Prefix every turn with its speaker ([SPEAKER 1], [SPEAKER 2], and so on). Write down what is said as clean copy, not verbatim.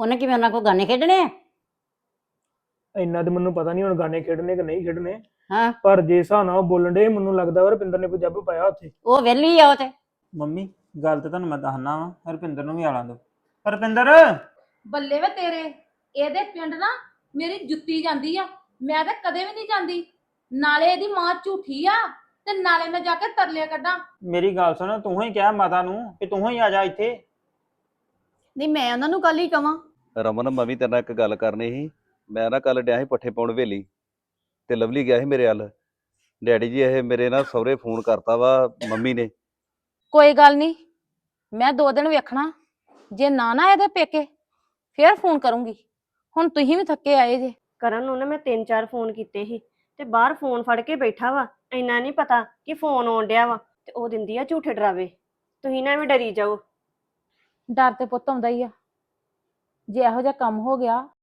[SPEAKER 1] ਉਹਨੇ ਕਿਵੇਂ ਉਹਨਾਂ ਕੋਲ ਗਾਣੇ ਖੇਡਣੇ ਆ?
[SPEAKER 2] ਇੰਨਾ ਤੇ ਮੈਨੂੰ ਪਤਾ ਨਹੀਂ ਹੁਣ ਗਾਣੇ ਖੇਡਣੇ ਕਿ ਨਹੀਂ ਖੇਡਣੇ।
[SPEAKER 1] ਹਾਂ,
[SPEAKER 2] ਪਰ ਜੇ ਹਿਸਾਬ ਨਾਲ ਉਹ ਬੋਲਣ ਦੇ ਮੈਨੂੰ ਲੱਗਦਾ ਵਾ ਰੁਪਿੰਦਰ ਨੇ ਕੋਈ ਜੱਬ ਪਾਇਆ ਉੱਥੇ।
[SPEAKER 1] ਉਹ ਵਿਹਲੀ ਆ ਉਹ ਤੇ।
[SPEAKER 3] ਮੰਮੀ ਗੱਲ ਤੇ ਤੁਹਾਨੂੰ ਮੈਂ ਦੱਸਣਾ ਵਾ, ਰੁਪਿੰਦਰ ਨੂੰ ਵੀ ਆਲਾਂ ਦੋ। ਰੁਪਿੰਦਰ
[SPEAKER 4] ਬੱਲੇ ਵੇ ਤੇਰੇ, ਇਹਦੇ ਪਿੰਡ ਨਾ ਮੇਰੀ ਜੁੱਤੀ ਜਾਂਦੀ ਆ। ਮੈਂ ਤਾਂ ਕਦੇ ਵੀ ਨਹੀਂ ਜਾਂਦੀ। ਨਾਲੇ ਇਹਦੀ ਮਾਂ ਝੂਠੀ ਆ ਤੇ ਨਾਲੇ ਮੈਂ ਜਾ ਕੇ ਤਰਲੇ ਕੱਢਾਂ।
[SPEAKER 3] ਮੇਰੀ ਗੱਲ ਸੁਣ, ਤੂੰ ਹੀ ਕਿਹਾ ਮਾਤਾ ਨੂੰ ਕਿ ਤੂੰ ਹੀ ਆ ਜਾ ਇੱਥੇ।
[SPEAKER 5] ਨਹੀਂ ਮੈਂ ਉਹਨਾਂ ਨੂੰ ਕੱਲ ਹੀ ਕਵਾਂ।
[SPEAKER 6] ਰਮਨ ਮੈਂ ਵੀ ਤੇਰੇ ਨਾਲ ਇੱਕ ਗੱਲ ਕਰਨੀ ਸੀ। ਮੈਂ ਨਾ ਕੱਲ ਡਿਆ ਸੀ ਪੱਠੇ ਪਾਉਣ ਵੇਲੀ ਤੇ ਲਵਲੀ ਗਿਆ ਸੀ ਮੇਰੇ ਵੱਲ। ਡੈਡੀ ਜੀ ਇਹ ਮੇਰੇ ਨਾਲ ਸਹੁਰੇ ਫੋਨ ਕਰਤਾ ਵਾ ਮੰਮੀ ਨੇ।
[SPEAKER 4] ਕੋਈ ਗੱਲ ਨਹੀਂ, ਮੈਂ 2 ਦਿਨ ਵੇਖਣਾ, ਜੇ ਨਾ ਇਹਦੇ ਪੇਕੇ ਫੇਰ ਫੋਨ ਕਰੂੰਗੀ। ਹੁਣ ਤੁਸੀਂ ਵੀ ਥੱਕੇ ਆਏ ਜੇ।
[SPEAKER 7] ਕਰਨ ਨੂੰ ਨਾ ਮੈਂ 3-4 ਫੋਨ ਕੀਤੇ ਸੀ ਤੇ ਬਾਹਰ ਫੋਨ ਫੜ ਕੇ ਬੈਠਾ ਵਾ। ਇੰਨਾ ਨਹੀਂ ਪਤਾ ਕਿ ਫੋਨ ਆਉਣ ਡਿਆ ਵਾ ਤੇ ਉਹ ਦਿੰਦੀ ਆ ਝੂਠੇ ਡਰਾਵੇ। ਤੁਸੀਂ ਨਾ ਵੀ ਡਰੀ ਜਾਓ।
[SPEAKER 4] ਡਰ ਤੇ ਪੁੱਤ ਆਉਂਦਾ ਹੀ ਆ। ਜੇ ਇਹੋ ਜਿਹਾ ਕੰਮ ਹੋ ਗਿਆ